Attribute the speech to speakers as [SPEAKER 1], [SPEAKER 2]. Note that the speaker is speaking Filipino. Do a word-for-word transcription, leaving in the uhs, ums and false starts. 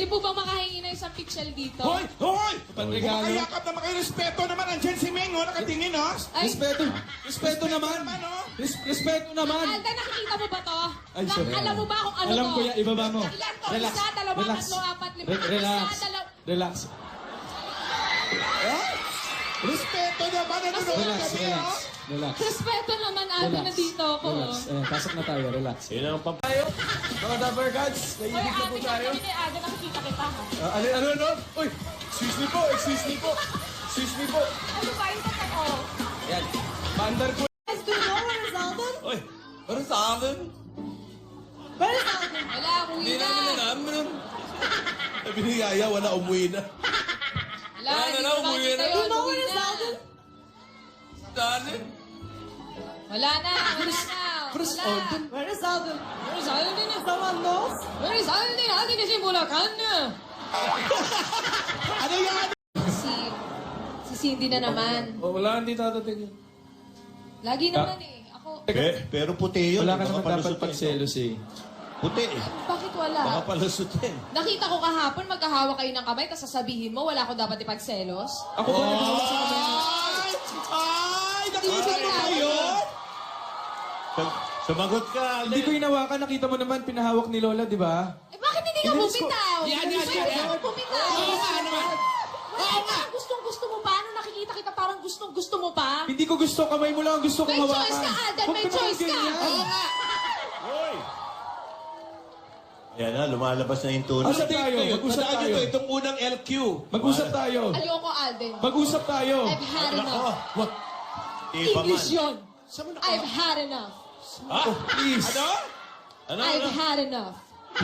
[SPEAKER 1] Pwede po bang makahingi ng isang pixel dito?
[SPEAKER 2] Hoy! Hoy!
[SPEAKER 3] Pagregalo.
[SPEAKER 2] Kumakayakap na makarespeto naman. Andyan si Meng, oh. Nakatingin, oh.
[SPEAKER 1] Ay,
[SPEAKER 3] Respeto. Respeto naman.
[SPEAKER 2] naman, oh.
[SPEAKER 3] Res- Respeto naman.
[SPEAKER 1] Alden, nakikita mo ba to?
[SPEAKER 3] Ay,
[SPEAKER 1] Na-
[SPEAKER 3] sorry.
[SPEAKER 1] alam mo ba kung ano
[SPEAKER 3] Alam
[SPEAKER 1] to?
[SPEAKER 3] ko yan. Ibaba mo.
[SPEAKER 1] Ilan to?
[SPEAKER 3] Relax.
[SPEAKER 1] Isa, dalawa,
[SPEAKER 3] Relax.
[SPEAKER 1] tatlo, apat, lima.
[SPEAKER 3] Re- relax.
[SPEAKER 1] Isa, dalawa.
[SPEAKER 3] Relax.
[SPEAKER 2] Ah? Respeto naman. Nanonood
[SPEAKER 3] Relax.
[SPEAKER 2] kami,
[SPEAKER 3] Relax.
[SPEAKER 2] oh.
[SPEAKER 3] Relax.
[SPEAKER 1] Respeto naman, Alden,
[SPEAKER 3] Relax.
[SPEAKER 1] nandito ako.
[SPEAKER 3] Relax. Ayan, pasok na tayo. Relax.
[SPEAKER 4] Yun ang pam...
[SPEAKER 3] Tayo, mga Dapper Gods,
[SPEAKER 1] Hoy,
[SPEAKER 3] naiibig na po
[SPEAKER 1] ate,
[SPEAKER 3] tayo.
[SPEAKER 1] kami ni Alden, nakikita kita ha.
[SPEAKER 3] Ah, ano, ano, ano? Uy, excuse me po, excuse me po. Excuse me po.
[SPEAKER 1] Ano ba yung totoo?
[SPEAKER 3] Yan. Bandar po.
[SPEAKER 1] Guys, do you know where is Alden?
[SPEAKER 3] Uy, ano sa akin?
[SPEAKER 1] Where is Alden? Wala, umuwi
[SPEAKER 3] Hindi
[SPEAKER 1] na.
[SPEAKER 3] namin alam. Ano?
[SPEAKER 4] Sabi ni Yaya, wala umuwi na.
[SPEAKER 1] Wala,
[SPEAKER 3] Wala
[SPEAKER 1] hindi
[SPEAKER 3] na,
[SPEAKER 1] ko
[SPEAKER 3] umuwi
[SPEAKER 1] makita
[SPEAKER 3] na.
[SPEAKER 1] yun,
[SPEAKER 5] You know
[SPEAKER 1] umuwi
[SPEAKER 5] where is
[SPEAKER 1] na.
[SPEAKER 5] Alden?
[SPEAKER 3] Dali.
[SPEAKER 1] Wala na, wala na.
[SPEAKER 3] Chris
[SPEAKER 1] Wala.
[SPEAKER 3] Alden.
[SPEAKER 5] Where is Alden?
[SPEAKER 1] Where is Alden?
[SPEAKER 5] Someone knows?
[SPEAKER 1] Where is Alden? Alden is in Bulacan.
[SPEAKER 2] Ano yan?
[SPEAKER 1] Si, si Cindy na naman.
[SPEAKER 3] Oh, wala, hindi tatating yun.
[SPEAKER 1] Lagi naman eh. Ako,
[SPEAKER 4] Pe, pero puti yun.
[SPEAKER 3] Wala ka
[SPEAKER 4] Baka
[SPEAKER 3] naman dapat
[SPEAKER 4] palusot yan.
[SPEAKER 3] pagselos eh.
[SPEAKER 4] Puti eh.
[SPEAKER 1] bakit
[SPEAKER 4] Baka
[SPEAKER 1] wala?
[SPEAKER 4] palusot yan.
[SPEAKER 1] Nakita ko kahapon, magkahawak kayo ng kamay, tapos sasabihin mo, wala ko dapat ipagselos.
[SPEAKER 3] Ako ba nagawag sa kamay mo?
[SPEAKER 2] Ay! Ay! Nakita mo ba yun?
[SPEAKER 4] Sum- Sumagot ka,
[SPEAKER 3] Hindi ko
[SPEAKER 4] Alden.
[SPEAKER 3] hinawakan, nakita mo naman, pinahawak ni Lola, di ba?
[SPEAKER 1] Eh, bakit hindi ka
[SPEAKER 3] Inalis ko.
[SPEAKER 1] bumitaw?
[SPEAKER 2] Yan, yan,
[SPEAKER 1] Pwede
[SPEAKER 2] yan, yan.
[SPEAKER 1] ka bumitaw.
[SPEAKER 2] Oo nga naman.
[SPEAKER 1] Wala ka, gustong-gusto mo pa. Ano nakikita kita, parang gustong-gusto mo pa.
[SPEAKER 3] Hindi ko gusto, kamay mo lang ang gusto kong
[SPEAKER 1] May
[SPEAKER 3] hawakan.
[SPEAKER 1] choice ka, Alden,
[SPEAKER 3] Huwag
[SPEAKER 1] may
[SPEAKER 3] ka naman
[SPEAKER 1] choice ka.
[SPEAKER 3] ganyan.
[SPEAKER 1] Oo nga.
[SPEAKER 4] Hoy! Yan na, lumalabas na yung tunog.
[SPEAKER 3] Usap tayo, mag-usap
[SPEAKER 2] Tandaan nyo
[SPEAKER 3] tayo.
[SPEAKER 2] to, itong unang L Q.
[SPEAKER 3] Mag-usap tayo.
[SPEAKER 1] Ayoko, Alden.
[SPEAKER 3] Mag-usap tayo.
[SPEAKER 1] I've had
[SPEAKER 4] Ako,
[SPEAKER 1] enough.
[SPEAKER 4] wag. Iba man.
[SPEAKER 1] English yun.
[SPEAKER 2] Saan mo na-
[SPEAKER 1] I've had enough.
[SPEAKER 4] Ha?
[SPEAKER 3] Please.
[SPEAKER 2] Ano?
[SPEAKER 4] Ano,
[SPEAKER 1] I've
[SPEAKER 4] ano?
[SPEAKER 1] had enough.